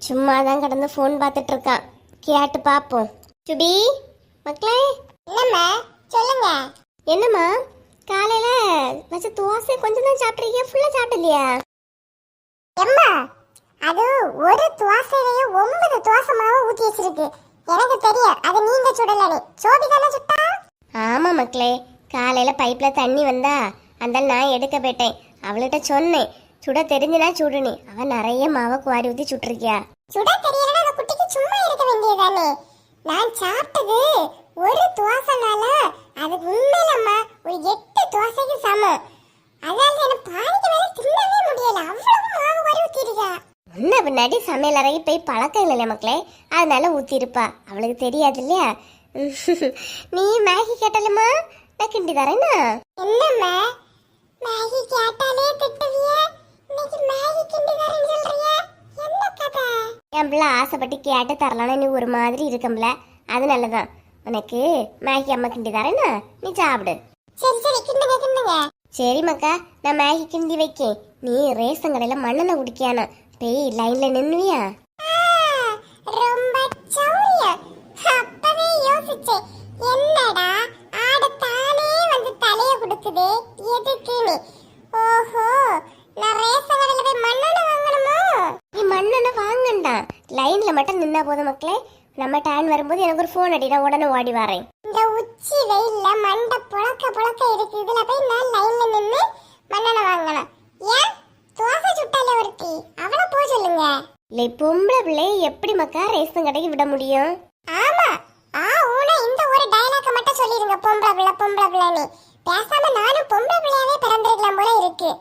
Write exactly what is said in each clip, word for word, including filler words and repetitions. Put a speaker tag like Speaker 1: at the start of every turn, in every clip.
Speaker 1: சும்மா தான் கடந்து ஃபோன் பார்த்துட்டு இருக்கான். கேட்டு பாப்போம். சுபி மக்களே.
Speaker 2: என்னம்மா சொல்லுங்க.
Speaker 1: என்னம்மா காலையில வச்ச தோசை கொஞ்சம் தான் சாப்பிட்றீங்க, ஃபுல்லா சாப்பிடலையா?
Speaker 2: எம்மா அது ஒரு தோசையிலேயே ஒன்பது தோசை மாவு ஊத்தி வச்சிருக்கு. எனக்கு தெரியும் அது நீங்க சுடலனே. சோபி தானே சுட்டா?
Speaker 1: ஆமா மக்களே, காலையில பைப்ல தண்ணி வந்தா அந்த நான் எடுக்க போயிட்டேன். அவள்கிட்ட சொன்னேன் சுட தெரிஞ்சுனா சுடுனி. அவன் நிறைய மாவை குவாரி ஊத்தி சுட்டிருக்கியா?
Speaker 2: சுட தெரியலன்னா அந்த குட்டிக்கு சும்மா இருக்க வேண்டியதானே. நான் சாப்பிட்டது ஒரு தோசைனால அது உண்மையிலம்மா ஒரு எட்டு தோசைக்கு சமம். அதாவது எனக்கு பாதிக்கு மேல தின்னவே முடியல, அவ்வளவு மாவு குவாரி ஊத்திருக்கா.
Speaker 1: முன்ன பின்னாடி சமையல் அறைக்கு போய் பழக்கம் இல்லையா மக்களே, அதனால ஊத்தி இருப்பா. அவளுக்கு தெரியாது இல்லையா? நீ மேகி கேட்டலமா, நான் கிண்டி தரேன்னா.
Speaker 2: என்னம்மா மேகி கேட்டாலே திட்டுவிய, இன்னைக்கு மேகி கிண்டி தரேன்னு சொல்றிய? என்ன கதை?
Speaker 1: என் பிள்ளை ஆசைப்பட்டு கேட்டு தரலான்னு நீ ஒரு மாதிரி இருக்கம்ல, அதனாலதான் உனக்கு மேகி அம்மா கிண்டி தரேன்னா நீ சாப்பிடு.
Speaker 2: சரி சரி கிண்டுங்க கிண்டுங்க.
Speaker 1: சரி மக்கா, நான் மேகி கிண்டி வைக்கேன். நீ ரேஷன் கடையில மண்ணெண்ணெய் குடிக்கான போய் லைன்ல நின்னுவியா?
Speaker 2: ரொம்ப சௌரியம். அப்பவே யோசிச்சேன், என்னடா ஆட தானே வந்து தலைய குடுக்குது எதுக்குன்னு. ஓஹோ, நான் ரேஷன் கடையில போய் மண்ணெண்ணெய் வாங்கணுமோ?
Speaker 1: நீ மண்ணெண்ணெய் வாங்கண்டா, லைன்ல மட்டும் நின்னா போதும் மக்களே. நம்ம டைம் வரும்போது எனக்கு ஒரு ஃபோன் அடி, நான் உடனே ஓடி வரேன்.
Speaker 2: இந்த உச்சி வெயில்ல மண்டை புழக்க புழக்க இருக்கு. இதுல போய் நான் லைன்ல நின்னு மண்ணெண்ணெய் வாங்கணும். ஏன் தோசை சுட்டால ஒருத்தி, அவளை போக சொல்லுங்க.
Speaker 1: இல்லை பொம்பளை பிள்ளையை எப்படி மக்கா ரேஷன் கடைக்கு விட முடியும்?
Speaker 2: ஆமா, ஆ ஊனா இந்த ஒரு டயலாக மட்டும் சொல்லிருங்க, பொம்பளை பிள்ளை பொம்பளை பிள்ளைன்னு. பேசாம நானும் பொம்பளை பிள்ளையாவே பிறந்திருக்கலாம் போல இருக்கு.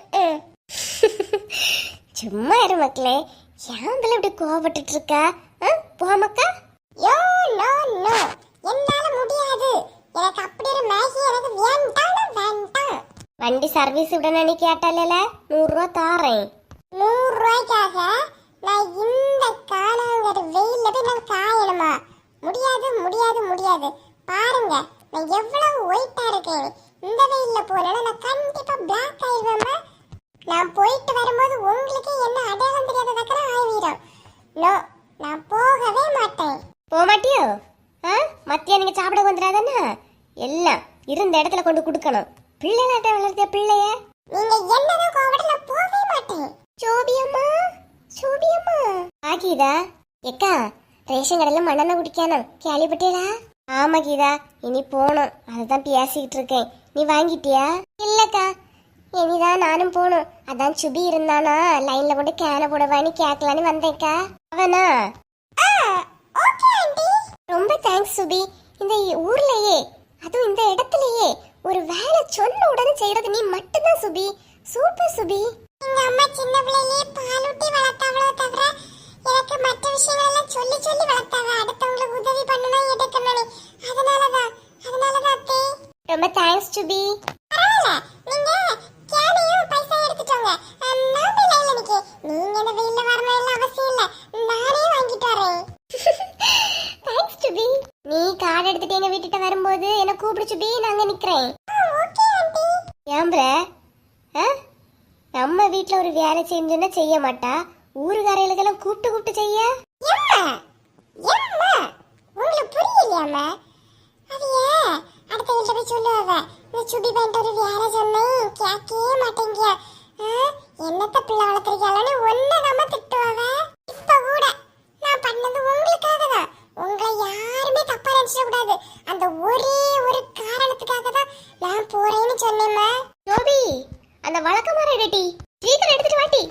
Speaker 1: சும்மா இரு மக்களே, ஏன் பிள்ளை இப்படி கோவப்பட்டுட்டு இருக்கா? போ மக்கா.
Speaker 2: யோ நோ நோ, என்னால முடியாது. எனக்கு அப்படி ஒரு மேகி எனக்கு வேண்டாம் வேண்டாம்.
Speaker 1: வண்டி சர்வீஸ் விட நீ கேட்டால நூறு ரூபா தாரேன்.
Speaker 2: நூறு ரூபாய்க்காக நான் இந்த காணாங்கிற வெயில்ல போய் நான் காயணுமா? முடியாது முடியாது முடியாது. பாருங்க நான் எவ்வளவு ஒயிட்டா இருக்கேன். இந்த வெயில்ல போனா நான் கண்டிப்பா பிளாக் ஆயிடுவேம்மா. நான் போயிட்டு வரும்போது உங்களுக்கு என்ன அடையாளம் தெரியாததக்கற ஆயிடும். நோ, நான் போகவே மாட்டேன்.
Speaker 1: போக மாட்டியோ? ஆ மத்தியா நீங்க சாப்பிட வந்துடாதானே, எல்லாம் இருந்த இடத்துல கொண்டு கொடுக்கணும். பிள்ளைலாட்ட வளர்த்திய பிள்ளைய
Speaker 2: நீங்க என்னதான் கோவப்பட நான் போகவே மாட்டேன்.
Speaker 1: சோபியம்மா சோபியம்மா. ஆ கீதா எக்கா, ரேஷன் கடையில மண்ணெண்ணெய் குடிக்கணும் கேள்விப்பட்டியடா? ஆமா கீதா, இனி போகணும், அதுதான் பேசிக்கிட்டு இருக்கேன். நீ வாங்கிட்டியா? இல்லக்கா, இனிதான் நானும் போகணும். அதான் சுபி இருந்தானா லைன்ல கொண்டு கேன போடவான்னு கேட்கலான்னு வந்தேக்கா. அவனா?
Speaker 2: Okay aunty.
Speaker 1: ரொம்ப தேங்க்ஸ் சுபி. இந்த ஊர்லயே அதுவும் இந்த இடத்துலயே ஒரு வேலை சொன்ன உடனே செய்யறது நீ மட்டும்தான் சுபி. சூப்பர் சுபி.
Speaker 2: எங்க அம்மா சின்ன பிள்ளையிலே பாலூட்டி வளர்த்தாவளோ தவிர எனக்கு மற்ற விஷயங்கள் எல்லாம் சொல்லி சொல்லி வளர்த்தாங்க. அடுத்தவங்களுக்கு உதவி பண்ணணும் எடுக்கணும். அதனாலதான் அதனாலதான் அத்தை.
Speaker 1: ரொம்ப தேங்க்ஸ் சுபி.
Speaker 2: பரவாயில்ல, நீங்க கேனையும் பைசா எடுத்துட்டோங்க. நான் போய் லைன்ல நிக்க. நீங்க என்ன வெயில்ல வரணும் எல்லாம் அவசியம் இல்ல, நானே வாங்கிட்டு வரேன்.
Speaker 1: தேங்க்ஸ் சுபி. நீ கார்டு எடுத்துட்டு எங்க வீட்டுட்ட வரும்போது என்ன கூப்பிடு சுபி, நாங்க நிக்கிறேன்.
Speaker 2: Okay aunty.
Speaker 1: ஏம்புற? நம்ம வீட்டுல ஒரு வேலை செஞ்சோன்னா செய்ய மாட்டா, ஊருக்காரைகளுக்கெல்லாம் கூப்பிட்டு கூப்பிட்டு செய்ய.
Speaker 2: எம்மா எம்மா உங்களுக்கு புரியலையாம்மா? அது ஏன் அடுத்த வீட்டுல போய் சொல்லுவாங்க, இந்த சுபி பையன் ஒரு வேலை சொன்னேன் கேட்கவே மாட்டேங்க, என்னத்த பிள்ளை வளர்த்துருக்காளன்னு ஒன்னு நம்ம திட்டுவாங்க. இப்ப கூட நான் பண்ணது உங்களுக்காக தான். உங்களை யாருமே தப்பா நினைச்சிட கூடாது. அந்த ஒரே ஒரு காரணத்துக்காக தான் நான் போறேன்னு சொன்னேம்மா.
Speaker 1: ஜோபி, அந்த வழக்கமான ரெடி சீக்கிரம் எடுத்துட்டு வாட்டி.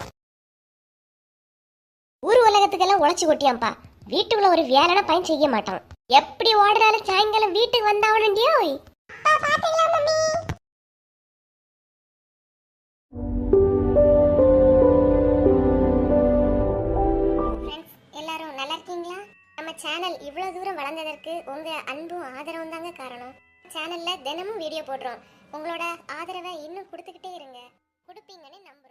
Speaker 1: ஊர் உலகத்துக்கெல்லாம் உழைச்சி கொட்டியாம்பா, வீட்டுக்குள்ள ஒரு வேலைனா பையன் செய்ய மாட்டான். எப்படி ஓடுறாலும் சாயங்காலம் வீட்டுக்கு வந்தாவணுண்டியோ.
Speaker 2: அப்பா பாத்தீங்களா மம்மி?
Speaker 1: ஃப்ரெண்ட்ஸ் எல்லாரும் நல்லா இருக்கீங்களா? நம்ம சேனல் இவ்வளவு தூரம் வளர்ந்ததற்கு உங்க அன்பும் ஆதரவும் தாங்க காரணம். சேனல்ல தினமும் வீடியோ போடுறோம். உங்களோட ஆதரவை இன்னும் கொடுத்துக்கிட்டே இருங்க. கொடுப்பீங்கன்னு நம்புறேன்.